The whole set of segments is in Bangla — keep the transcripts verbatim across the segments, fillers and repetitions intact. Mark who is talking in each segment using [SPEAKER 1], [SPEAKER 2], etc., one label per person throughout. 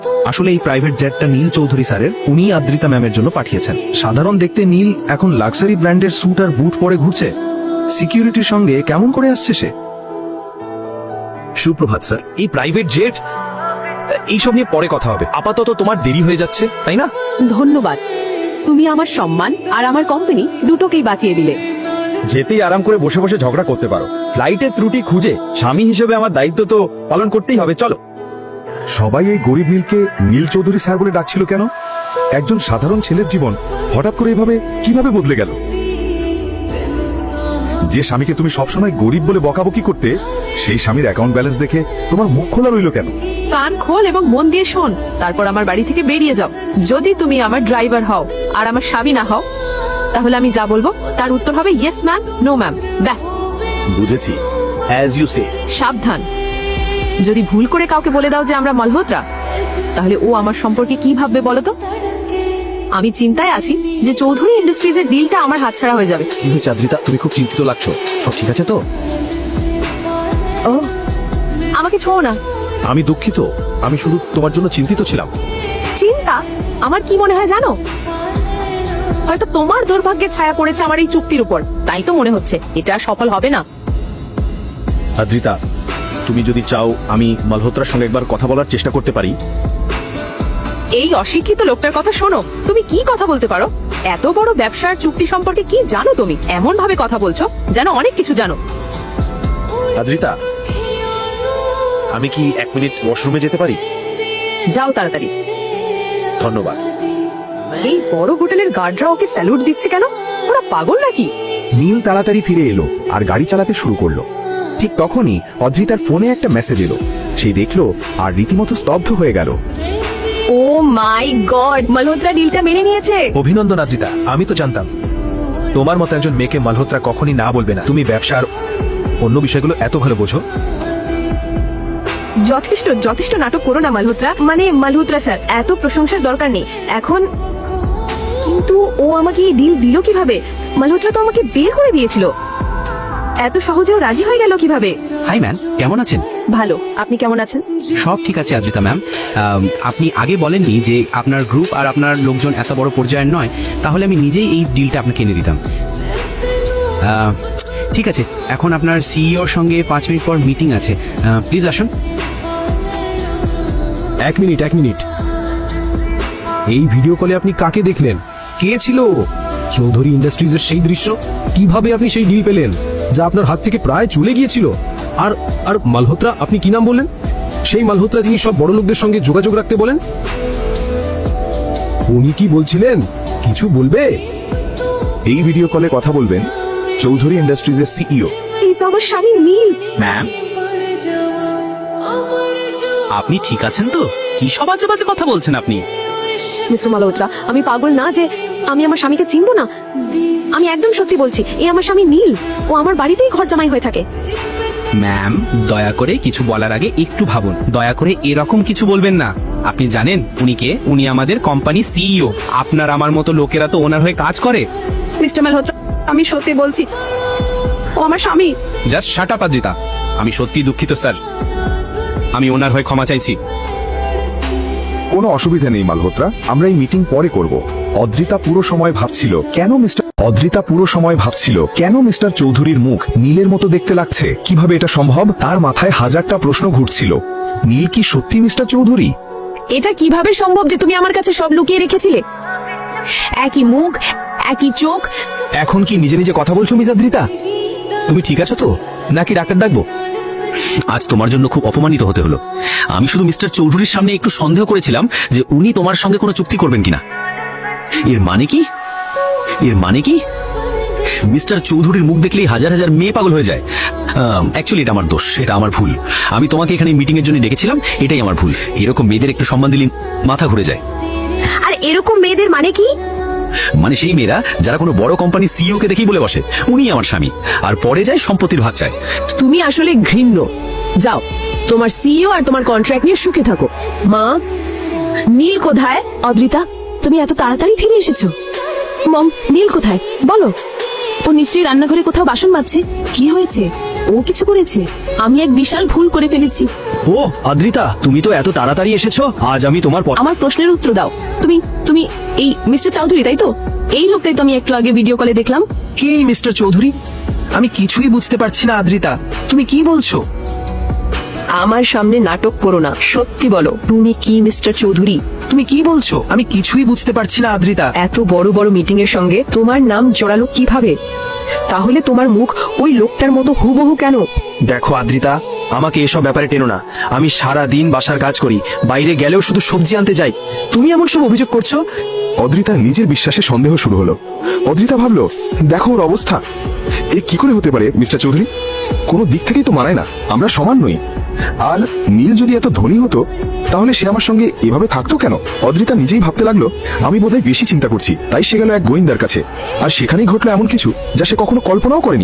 [SPEAKER 1] আসলে এই প্রাইভেট জেটটা নীল চৌধুরী স্যারের, উনি আদ্রিতা ম্যামের জন্য পাঠিয়েছেন। সাধারণ দেখতে নীল এখন লাক্সারি ব্র্যান্ডের স্যুট আর বুট পরে ঘুরছে। সিকিউরিটির সঙ্গে কেমন করে আসছে সে?
[SPEAKER 2] সুপ্রভাত স্যার।
[SPEAKER 3] এই প্রাইভেট জেট এইসব নিয়ে পরে কথা হবে, আপাতত তোমার দেরি হয়ে যাচ্ছে, তাই না?
[SPEAKER 4] ধন্যবাদ, তুমি আমার সম্মান আর আমার কোম্পানি দুটোকেই বাঁচিয়ে দিলে।
[SPEAKER 3] যেতেই আরাম করে বসে বসে ঝগড়া করতে পারো। ফ্লাইটের ত্রুটি খুঁজে স্বামী হিসেবে আমার দায়িত্ব তো পালন করতেই হবে। চলো।
[SPEAKER 2] সবাই এই গরিব নীলকে নীল চৌধুরী স্যার বলে ডাকছিল কেন? একজন সাধারণ ছেলের জীবন হঠাৎ করে এভাবে কিভাবে বদলে গেল? যে স্বামীকে তুমি সবসময় গরিব বলে বকাবকি করতে, সেই স্বামীর অ্যাকাউন্ট ব্যালেন্স দেখে তোমার মুখ খোলা রইল কেন?
[SPEAKER 4] কান খোল এবং মন দিয়ে শোন, তারপর আমার বাড়ি থেকে বেরিয়ে যাও। যদি তুমি আমার ড্রাইভার হও আর আমার স্বামী না হও, তাহলে আমি যা বলবো তার উত্তর হবে ইয়েস ম্যাম, নো ম্যাম, ব্যাস।
[SPEAKER 3] বুঝেছি, অ্যাজ ইউ সে।
[SPEAKER 4] সাবধান, যদি ভুল করে কাউকে বলে দাও যে আমরা মালহোত্রা, তাহলে ও আমার সম্পর্কে কি ভাববে বলো তো? আমি চিন্তায় আছি যে চৌধুরী ইন্ডাস্ট্রিজের ডিলটা আমার হাতছাড়া হয়ে যাবে।
[SPEAKER 1] কি হয়েছে আদ্রিতা, তুমি খুব চিন্তিত লাগছো? সব ঠিক আছে তো?
[SPEAKER 4] ও, আমাকে ছোঁও না।
[SPEAKER 1] আমি দুঃখিত, আমি শুধু তোমার জন্য চিন্তিত ছিলাম।
[SPEAKER 4] চিন্তা? আমার কি মনে হয় জানো? হয়তো তোমার দুর্ভাগ্যের ছায়া পড়েছে আমার এই চুক্তির উপর, তাই তো মনে হচ্ছে এটা আর সফল হবে না।
[SPEAKER 1] আদ্রিতা, তুমি যদি চাও আমি মালহোত্রার সঙ্গে একবার কথা বলার চেষ্টা করতে পারি।
[SPEAKER 4] এই অশিক্ষিত লোকটার কথা শোনো, তুমি কি কথা বলতে পারো? এত বড় ব্যবসার চুক্তি সম্পর্কে কি জানো তুমি? এমন ভাবে কথা বলছো যেন অনেক কিছু জানো।
[SPEAKER 1] আদ্রিতা, আমি কি এক মিনিট ওয়াশরুমে যেতে পারি?
[SPEAKER 4] যাও তাড়াতাড়ি।
[SPEAKER 1] ধন্যবাদ।
[SPEAKER 4] এই বড় হোটেলের গার্ডরা ওকে স্যালুট দিচ্ছে কেন? ওরা পাগল নাকি?
[SPEAKER 2] নীল তাড়াতাড়ি ফিরে এলো আর গাড়ি চালাতে শুরু করলো। ঠিক তখনই অদ্রিতার ফোনে একটা মেসেজ এলো। সেই দেখলো আর রীতিমতো স্তব্ধ হয়ে গেল।
[SPEAKER 4] ও মাই গড, মালহোত্রা ডিলটা মেনে নিয়েছে।
[SPEAKER 1] অভিনন্দন আদ্রিতা, আমি তো জানতাম তোমার মতো একজন মেয়েকে মালহোত্রা কখনই না বলবে না। তুমি ব্যবসার অন্য বিষয়গুলো এত ভালো বোঝো।
[SPEAKER 4] যথেষ্ট যথেষ্ট নাটক করো না মালহোত্রা, মানে মালহোত্রা স্যার, এত প্রশংসার দরকার নেই এখন। কিন্তু ও আমাকে এই ডিল দিল কিভাবে? মালহোত্রা তো আমাকে বের করে দিয়েছিল। এত সহজেও রাজি হয়ে গেল কিভাবে?
[SPEAKER 5] হাই ম্যাম, কেমন আছেন?
[SPEAKER 4] ভালো, আপনি কেমন আছেন?
[SPEAKER 5] সব ঠিক আছে আদ্রিতা ম্যাম। আম, আপনি আগে বলেননি যে আপনার গ্রুপ আর আপনার লোকজন এত বড় পর্যায়ের নয়, তাহলে আমি নিজেই এই ডিলটা আপনাকে এনে দিতাম। আহ, ঠিক আছে, এখন আপনার সিইওর সঙ্গে পাঁচ মিনিট পর মিটিং আছে, প্লিজ আসুন।
[SPEAKER 3] এক মিনিট এক মিনিট এই ভিডিও কলে আপনি কাকে দেখলেন? কে ছিল ও? চৌধুরী ইন্ডাস্ট্রিজের সেই দৃশ্য? কিভাবে আপনি সেই ডিল পেলেন যা আপনার হাত থেকে প্রায় চলে গিয়েছিল? আর আর মালহোত্রা, আপনি কি নাম বললেন? সেই মালহোত্রা যিনি সব বড় লোকদের সঙ্গে যোগাযোগ রাখতে বলেন? উনি কি বলছিলেন? কিছু বলবে?
[SPEAKER 2] এই ভিডিও কলে কথা বলবেন চৌধুরী ইন্ডাস্ট্রিজের সিইও।
[SPEAKER 4] এই তো আমার স্বামী নীল।
[SPEAKER 5] ম্যাম, আপনি ঠিক আছেন তো? কি সব বাজে বাজে কথা বলছেন আপনি?
[SPEAKER 4] মিস্টার মালহোত্রা, আমি পাগল না যে আমি আমার স্বামীকে চিনবো না। আমি একদম সত্যি বলছি, এই আমার স্বামী নীল। ও আমার বাড়িতেই ঘর জামাই হয়ে থাকে।
[SPEAKER 5] ম্যাম, দয়া করে কিছু বলার আগে একটু ভাবুন। দয়া করে এরকম কিছু বলবেন না। আপনি জানেন উনি কে? উনি আমাদের কোম্পানি সিইও। আপনার আমার মতো লোকেরা তো ওনার হয়ে কাজ করে।
[SPEAKER 4] মিস্টার মালহোত্রা, আমি সত্যি বলছি, ও আমার স্বামী।
[SPEAKER 5] Just shut up Adrita. আমি সত্যি দুঃখিত স্যার, আমি ওনার হয়ে ক্ষমা চাইছি।
[SPEAKER 2] কোনো অসুবিধা নেই মালহোত্রা, আমরা এই মিটিং পরে করব। অদ্রিতা পুরো সময় ভাবছিল কেন মিস্টার অদ্রিতা পুরো সময় ভাবছিল কেন মিস্টার চৌধুরীর মুখ নীলের মতো দেখতে লাগছে। কিভাবে এটা সম্ভব? তার মাথায় হাজারটা প্রশ্ন ঘুরছিল। নীল কি সত্যি মিস্টার চৌধুরী?
[SPEAKER 4] এটা কিভাবে সম্ভব যে তুমি আমার কাছে সব লুকিয়ে রেখেছিলে? একই মুখ, একই চোখ।
[SPEAKER 1] এখন কি নিজে নিজে কথা বলছো মিস আদ্রিতা? তুমি ঠিক আছো তো, নাকি ডাক্তার ডাকবো?
[SPEAKER 5] আজ তোমার জন্য খুব অপমানিত হতে হলো। আমি শুধু মিস্টার চৌধুরীর সামনে একটু সন্দেহ করেছিলাম যে উনি তোমার সঙ্গে কোনো চুক্তি করবেন কিনা। এর মানে কি? এর মানে কি মিস্টার চৌধুরীর মুখ দেখলেই হাজার হাজার মেয়ে পাগল হয়ে যায়। অ্যাকচুয়ালি এটা আমার দোষ, এটা আমার ভুল। আমি তোমাকে এখানে মিটিং এর জন্য ডেকেছিলাম, এটাই আমার ভুল। এরকম মেয়েদের একটু সম্মান দিলে মাথা ঘুরে যায়।
[SPEAKER 4] আর এরকম মেয়েদের মানে কি?
[SPEAKER 5] মানে সেই মেয়েরা যারা কোনো বড় কোম্পানি সিইও কে দেখেই বলে বসে উনি আমার স্বামী, আর পরে যায় সম্পত্তির ভাগ চায়।
[SPEAKER 4] তুমি আসলে ঘৃণ্য। যাও, তোমার সিইও আর তোমার কন্ট্রাক্ট নিয়ে সুখে থাকো। মা, নীল কোথায়? অদ্রিতা, তুমি এত তাড়াতাড়ি ফিরে এসেছো। মম, নীল কোথায় বলো? ও নিশ্চয়ই রান্নাঘরে কোথাও বাসন মাজছে। কি হয়েছে? ও কিছু করেছে? আমি এক বিশাল ভুল করে ফেলেছি।
[SPEAKER 5] ও আদ্রিতা, তুমি তো এত তাড়াতাড়ি এসেছো। আজ আমি তোমার প-
[SPEAKER 4] আমার প্রশ্নের উত্তর দাও। তুমি তুমি এই মিস্টার চৌধুরী তাই তো? এই লোকটাই তো আমি একটু আগে ভিডিও কলে দেখলাম।
[SPEAKER 1] কি মিস্টার চৌধুরী? আমি কিছুই বুঝতে পারছি না আদ্রিতা, তুমি কি বলছো?
[SPEAKER 4] আমার সামনে নাটক করো না, সত্যি বলো তুমি কি মিস্টার চৌধুরী?
[SPEAKER 1] তুমি কি বলছো? আমি কিছুই বুঝতে পারছি না আদ্রিতা।
[SPEAKER 4] এত বড় বড় মিটিং এর সঙ্গে তোমার নাম জড়ালো কিভাবে? তাহলে তোমার মুখ ওই লোকটার মতো হুবহু কেন?
[SPEAKER 1] দেখো আদ্রিতা, আমাকে এসব ব্যাপারে টেনো না। আমি সারা দিন বাসার কাজ করি, বাইরে গেলেও শুধু সবজি আনতে যাই। তুমি এমন সব অভিযোগ করছো?
[SPEAKER 2] অদ্রিতার নিজের বিশ্বাসে সন্দেহ শুরু হলো। অদ্রিতা ভাবলো, দেখো ওর অবস্থা, এ কি করে হতে পারে মিস্টার চৌধুরী? কোনো দিক থেকেই তো মানায় না, আমরা সমান নই। আর নীল যদি এত ধনী হতো তাহলে সে আমার সঙ্গে এভাবে থাকতো কেন? অদ্রিতা নিজেই ভাবতে লাগলো, আমি বোধহয় বেশি চিন্তা করছি। তাই সে গেল এক গোয়েন্দার কাছে, আর সেখানেই ঘটলো এমন কিছু যা সে কখনো কল্পনাও করেনি।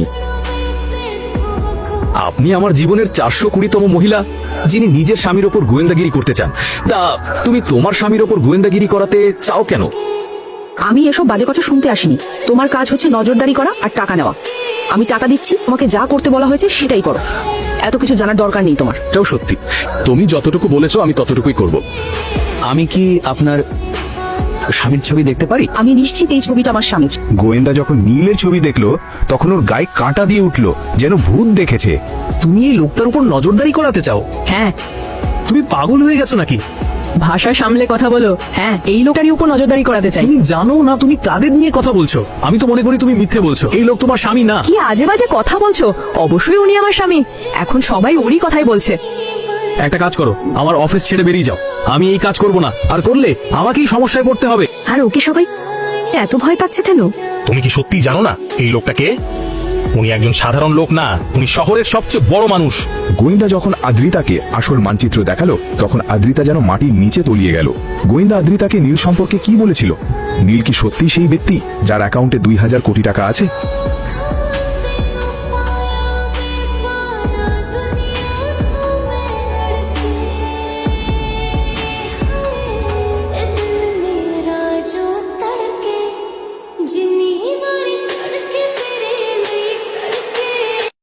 [SPEAKER 3] আপনি আমার জীবনের চারশো কুড়িতম মহিলা যিনি নিজের স্বামীর ওপর গোয়েন্দাগিরি করতে চান। তা তুমি তোমার স্বামীর ওপর গোয়েন্দাগিরি করাতে চাও কেন?
[SPEAKER 4] আমি এসব বাজে কথা শুনতে আসিনি। তোমার কাজ হচ্ছে নজরদারি করা আর টাকা নেওয়া। আমি টাকা দিচ্ছি, তোমাকে যা করতে বলা হয়েছে সেটাই করো। এত কিছু জানার দরকার নেই তোমার।
[SPEAKER 3] এটাও সত্যি, তুমি যতটুকু বলেছো আমি ততটুকুই করব। আমি কি আপনার স্বামীর ছবি দেখতে পারি?
[SPEAKER 4] আমি নিশ্চিত এই ছবিটা আমার স্বামীর।
[SPEAKER 2] গোয়েন্দা যখন নীলের ছবি দেখলো তখন ওর গায়ে কাঁটা দিয়ে উঠলো, যেন ভূত দেখেছে।
[SPEAKER 3] তুমি এই লোকটার উপর নজরদারি করাতে চাও?
[SPEAKER 4] হ্যাঁ।
[SPEAKER 3] তুমি পাগল হয়ে গেছো নাকি?
[SPEAKER 4] ভাষা সামলে কথা বলো। হ্যাঁ, এই লোকটারই উপর নজরদারি করাতে চাই।
[SPEAKER 3] তুমি জানো না তুমি কাদের নিয়ে কথা বলছো? আমি তো মনে করি তুমি মিথ্যে বলছো। এই লোক তোমার স্বামী না।
[SPEAKER 4] কি আজে বাজে কথা বলছো? অবশ্যই উনি আমার স্বামী। এখন সবাই ওরই কথাই বলছে।
[SPEAKER 3] একটা কাজ করো, আমার অফিস ছেড়ে বেরিয়ে যাও। আমি এই কাজ করব না, আর করলে আমাকেই সমস্যায় পড়তে হবে।
[SPEAKER 4] আর ওকে সবাই এত ভয় পাচ্ছে কেন?
[SPEAKER 3] তুমি কি সত্যি জানো না এই লোকটাকে? উনি একজন সাধারণ লোক না, উনি শহরের সবচেয়ে বড় মানুষ।
[SPEAKER 2] গোয়েন্দা যখন আদ্রিতাকে আসল মানচিত্র দেখালো তখন আদ্রিতা যেন মাটির নিচে তলিয়ে গেল। গোয়েন্দা আদ্রিতাকে নীল সম্পর্কে কি বলেছিল? নীল কি সত্যি সেই ব্যক্তি যার অ্যাকাউন্টে দুই হাজার কোটি টাকা আছে?